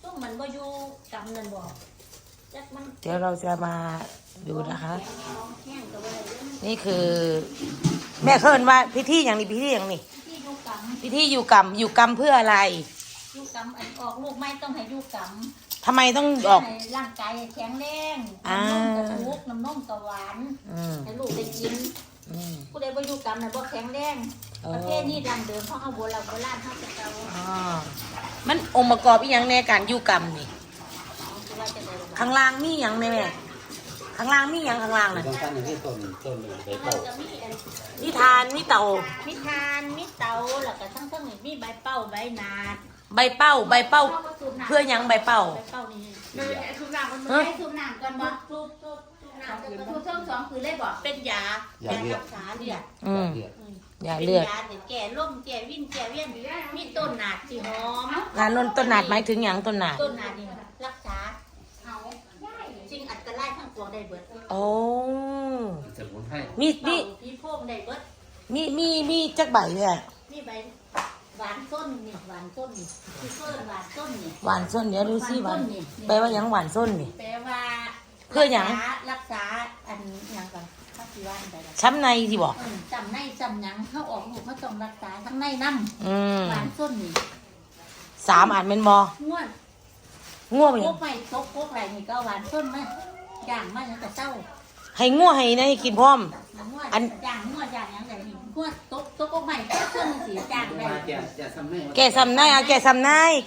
ตุ้มมันบ่อยู่กำนั่นบ่จักมันเดี๋ยวเราจะมาดูนะคะ นี่คือแม่เคินว่าพิธีอย่างนี้พิธีอย่างนี้ที่อยู่กำพิธีอยู่กรรมอยู่กรรมเพื่ออะไรอยู่กำอันออกลูกไม่ต้องให้อยู่กำทำไมต้องออกให้ร่างกายแข็งแรงน้ำนมกระทุกน้ำนมกระหวานให้ลูกได้กินผู้ใดบ่อยู่กำน่ะบ่แข็งแรงประเทศนี้ดังเดิมเพราะเอาโบราณเฮาจะเก่ามันองค์ประกอบอีหยังในการอยู่กรรมนี่ข้างล่างมีหยังแม่ข้างล่างมีหยังข้างล่างน่ะต้องการอย่างที่ต้นใบเป่ามีทานมีเต่ามีทานมีเตาแล้วก็ทั้งๆนี่มีใบเป้าใบนาดใบเป้าเพื่อหยังใบเป้าใบเป้านี่ทุกน้ำมันไม่ทุกน้ำก่อนบ่ทุกน้ำทุกเทิงสองคือเลยบ่เป็นยารักษาเลือดอย่าเลือดยาแก่ล่มแก่วิ่นแก่เวียนมีต้นหนาดสีหอมงานนนต้นหนาดหมายถึงหยังต้นหนาดต้นหนาดนี่รักษาจริงอัตรายทั้งปวงได้เบิดโอ้สมุนไพรมีผีโพงได้เบิดมีจักใบเนี่ยมีใบหวานต้นนี่หวานต้นนี่คือเพิ่นหวานต้นนี่หวานส้นเดี๋ยวดูสิหวานแปลว่าหยังหวานส้นนี่แปลว่าเพื่อหยังรักษาอันหยังก่อนข้าสิว่าอันใดล่ะช้ำในที่บอกจำในจำหยังเขาออกลูกเขาต้องรักษาทั้งในน้ำหวานต้นนี่ 3 อันเป็นบอง่วนง่วงไปโคกไม่โคกไรนี่ก็หวานต้นไหมย่างมาอย่างกระเจ้าให้ง่วงให้นะให้กินพร้อมง่วนย่างง่วนย่างอย่างไรนี่ง่วนโต๊ะใหม่เครื่องสีย่างได้จะทำให้แกซ้ำในเอาแกซ้ำใน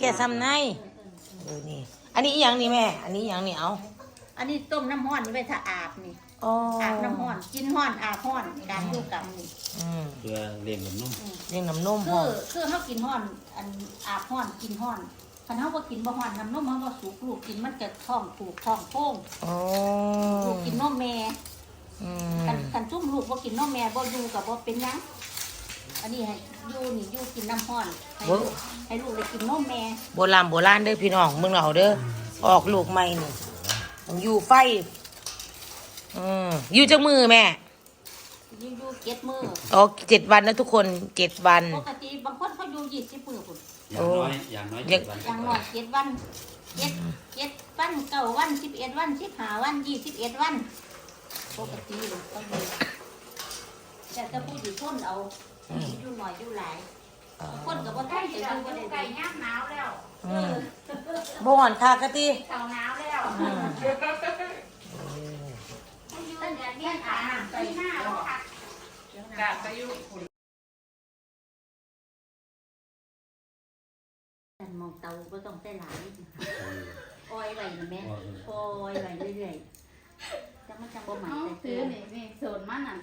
นี่ อันนี้อีหยังนี่แม่ อันนี้อีหยังนี่เอาอันนี้ต้มน้ำห้อนนี่ไปถ้าอาบนี่อ๋ออาบน้ำห้อนกินห้อนอาบห้อนการอยู่กับนี่เพื่อเลี้ยงนุ่มเลี้ยงน้ำนมคืห้ออง คือเขากินห้อนอันอาบห้อนกินห้อนคันเขาบ่กินบ่ห้อนน้ำนมเขาบ่สุกลูกกินมันจะท้องผูกท้องโป่งอ๋อลูกกินนมแม่กันจุ่มลูกบ่กินนมแม่บ่อยู่กับบ่เป็นหยังอันนี้ให้อยู่กินน้ำห้อนให้ลูกได้กินนมแม่โบราณเด้อพี่น้องเมืองเราเด้อออกลูกใหม่นี่ต้องอยู่ไฟอยู่จักมือแม่อยู่7 มื้ออ๋อ7 วันนะทุกคน7 วันปกติบางคนเขาอยู่20 มื้อพุ่นอย่างน้อย7 วันอย่างน้อย7 วัน7 วัน9 วัน11 วัน15 วัน21 วันปกติต้องอยู่แต่ถ้าผู้ที่ทนเอาอยู่หน่อยอยู่หลายคนก็บ่ทนจะอยู่บ่ได้ไก่ย่างหนาวแล้วบ่หอนคากะติเต่าหนาวแล้วตั้งแต่เลี้ยงอาหารไปหน้าแล้วค่ะกาจะอยู่ฝุ่นแต่มองเตาบ่ต้องใส่หลายอ้อยไว้นะแม่อ้อยไว้เรื่อยๆจังมันจังบ่ใหม่น้องแต่ซื้อนี่โซนมันนั่น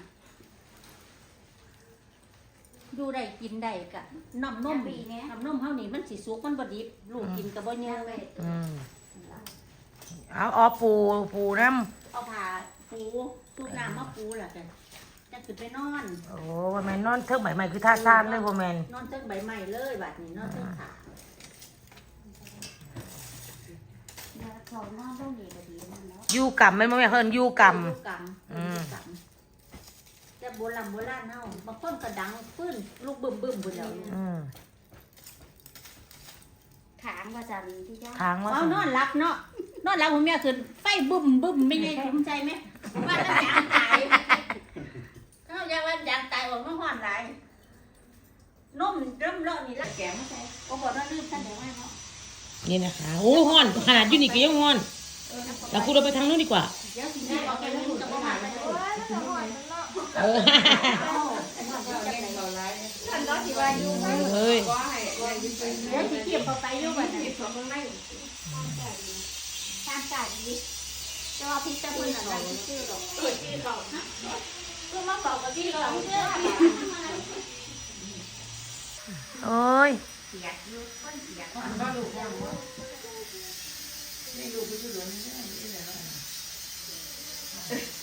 ดูได้กินได้กะน้ำนมเฮานี่มันสิสุกมันบ่ดิบลูกกินก็บ่เยอะเลยเอาปูน้ำเอาผ้าปูซุปน้ำมาปูล่ะจ้ะจะขึ้นไปนอนโอ้แม่นอนเทิงใบใหม่คือท่าซ่านเลยบ่แม่นนอนเทิงใบไม้เลยบัดนี้นอนเทิงขาเขานอนต้องดีก็ดีนั่นแล้วอยู่กรรมแม่นบ่แม่เพิ่นอยู่กรรมจะโบราณเฮาบางคนก็ดังฟื้นลูกบึ้มพุ่นแล้วขางว่าจันที่ย่าทางว่าเอานอนหลับเนาะนอนหลับผมเนี่ยคือไฟบึ้มไม่ไงภูมิใจไหมว่าแล้วยางตายเขาอยากว่ายางตายออกมาห้อนหลายนมเริ่มเลาะนี่ละแกงมาใส่โอ้บอกว่าลืมท่านเดี๋ยวให้เนาะนี่นะคะโอ้ฮ้อนขนาดอยู่นี่ก็ยังฮ้อนเราพูดเราไปทางนู้นดีกว่าเดี๋ยวสิแม่เอาไปลูกจะบ่มาเลยเออท่านก็ที่ว่าอยู่เฮ้ยเดี๋ยวสิเก็บเอาไปอยู่บัดนี้ตามจ่ายดีจะว่าพี่จะพูดอะไรชื่อหรอกชื่อเขาก็มาบอกกับพี่เราเชื่อโอ้ยเสียอยู่คนเสียก็ลูกแล้วเ